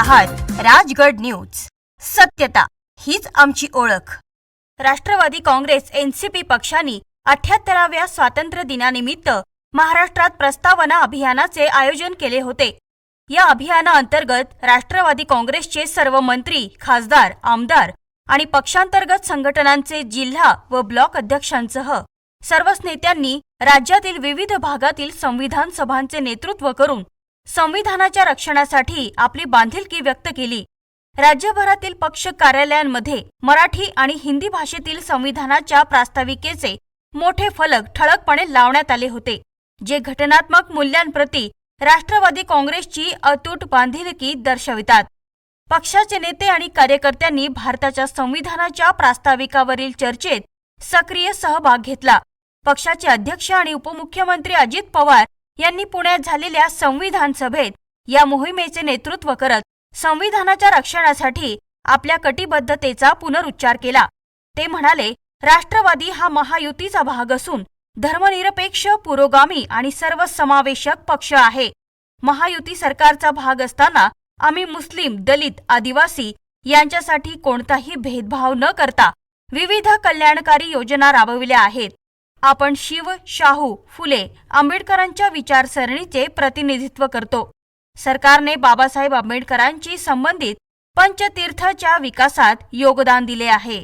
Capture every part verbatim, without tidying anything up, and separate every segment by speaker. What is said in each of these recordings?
Speaker 1: आहात राजगड न्यूज। सत्यता हीच आमची ओळख। राष्ट्रवादी काँग्रेस एनसीपी पक्षांनी अठ्ठ्याहत्तराव्या स्वातंत्र्य दिनानिमित्त महाराष्ट्रात प्रस्तावना अभियानाचे आयोजन केले होते। या अभियानाअंतर्गत राष्ट्रवादी काँग्रेसचे सर्व मंत्री, खासदार, आमदार आणि पक्षांतर्गत संघटनांचे जिल्हा व ब्लॉक अध्यक्षांसह सर्वच नेत्यांनी राज्यातील विविध भागातील संविधान सभांचे नेतृत्व करून संविधानाच्या रक्षणासाठी आपली बांधिलकी व्यक्त केली। राज्यभरातील पक्ष कार्यालयांमध्ये मराठी आणि हिंदी भाषेतील संविधानाच्या प्रास्ताविकेचे मोठे फलक ठळकपणे लावण्यात आले होते, जे घटनात्मक मूल्यांप्रती राष्ट्रवादी काँग्रेसची अतूट बांधिलकी दर्शवितात। पक्षाचे नेते आणि कार्यकर्त्यांनी भारताच्या संविधानाच्या प्रास्ताविकावरील चर्चेत सक्रिय सहभाग घेतला। पक्षाचे अध्यक्ष आणि उपमुख्यमंत्री अजित पवार यांनी पुण्यात झालेल्या संविधान सभेत या मोहिमेचे नेतृत्व करत संविधानाच्या रक्षणासाठी आपल्या कटिबद्धतेचा पुनरुच्चार केला। ते म्हणाले, राष्ट्रवादी हा महायुतीचा भाग असून धर्मनिरपेक्ष, पुरोगामी आणि सर्वसमावेशक पक्ष आहे। महायुती सरकारचा भाग असताना आम्ही मुस्लिम, दलित, आदिवासी यांच्यासाठी कोणताही भेदभाव न करता विविध कल्याणकारी योजना राबविल्या आहेत। आपण शिव, शाहू, फुले, आंबेडकरांच्या विचारसरणीचे प्रतिनिधित्व करतो। सरकारने बाबासाहेब आंबेडकरांची संबंधित पंचतीर्थच्या विकासात योगदान दिले आहे।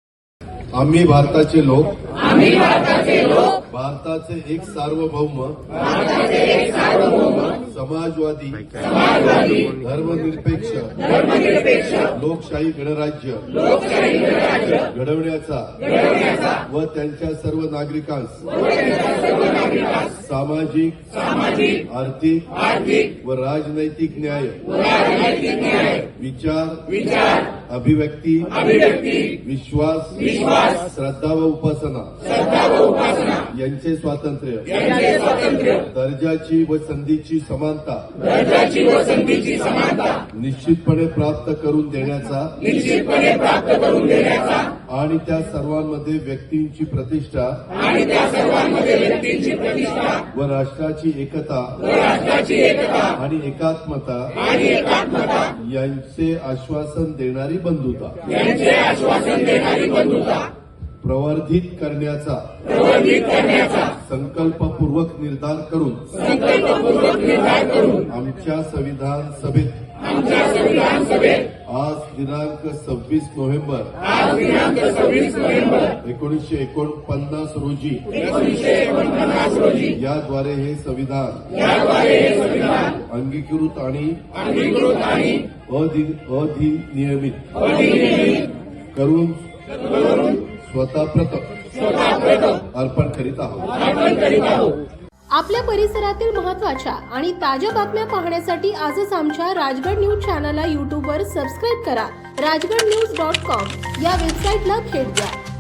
Speaker 2: आम्ही भारताचे लोक
Speaker 3: आम्ही भारताचे लोक
Speaker 2: भारताचे एक सार्वभौम
Speaker 3: भारताचे एक सार्वभौम
Speaker 2: समाजवादी
Speaker 3: समाजवादी
Speaker 2: धर्मनिरपेक्ष
Speaker 3: धर्मनिरपेक्ष
Speaker 2: लोकशाही गणराज्य
Speaker 3: लोकशाही गणराज्य
Speaker 2: घडवण्याचा
Speaker 3: घडवण्याचा
Speaker 2: व त्यांच्या सर्व नागरिकांस
Speaker 3: व त्यांच्या सर्व नागरिकांस
Speaker 2: सामाजिक
Speaker 3: सामाजिक
Speaker 2: आर्थिक
Speaker 3: आर्थिक
Speaker 2: व राजनैतिक न्याय
Speaker 3: व राजनैतिक न्याय
Speaker 2: विचार
Speaker 3: विचार
Speaker 2: अभिव्यक्ती
Speaker 3: अभिव्यक्ती
Speaker 2: विश्वास
Speaker 3: विश्वास
Speaker 2: श्रद्धा व उपासना
Speaker 3: श्रद्धा व उपासना
Speaker 2: यांचे स्वातंत्र्य
Speaker 3: यांचे स्वातंत्र्य
Speaker 2: दर्जाची व संधीची समानता
Speaker 3: दर्जाची व संधीची समानता
Speaker 2: निश्चितपणे प्राप्त करून देण्याचा
Speaker 3: निश्चितपणे प्राप्त करून देण्याचा
Speaker 2: आणि त्या सर्वांमध्ये व्यक्तींची प्रतिष्ठा
Speaker 3: आणि त्या सर्वांमध्ये व्यक्तींची प्रतिष्ठा
Speaker 2: व राष्ट्राची एकता
Speaker 3: व राष्ट्राची एकता
Speaker 2: आणि एकात्मता
Speaker 3: आणि एकात्मता
Speaker 2: यांचे आश्वासन देणारी बंधुता
Speaker 3: यांचे आश्वासन देणारी बंधुता
Speaker 2: प्रवर्धित करण्याचा
Speaker 3: प्रवर्धित करण्याचा
Speaker 2: संकल्पपूर्वक निर्धार करून
Speaker 3: संकल्पपूर्वक निर्धार करून
Speaker 2: आमच्या संविधान सभेत
Speaker 3: आमच्या संविधान सभेत
Speaker 2: आज दिनांक सव्वीस नोव्हेंबर
Speaker 3: आज दिनांक सव्वीस नोव्हेंबर
Speaker 2: एकोणीसशे एकोणपन्नास रोजी
Speaker 3: एकोणीसशे एकोणपन्नास रोजी
Speaker 2: याद्वारे हे संविधान
Speaker 3: याद्वारे हे संविधान
Speaker 2: अंगीकृत आणि
Speaker 3: अंगीकृत आणि
Speaker 2: अधि- अधिनियमित
Speaker 3: अधिनियमित
Speaker 2: करून
Speaker 3: करून
Speaker 2: स्वतः प्रथम
Speaker 3: स्वतः प्रथम
Speaker 2: अर्पण करीत आहोत
Speaker 3: अर्पण करीत आहोत।
Speaker 4: आपल्या परिसरातील महत्त्वाच्या आणि ताज्या बातम्या पाहण्यासाठी आजच आमच्या राजगड न्यूज चॅनलला यूट्यूबवर सबस्क्राईब करा। राजगड न्यूज डॉट कॉम या वेबसाईटला भेट द्या।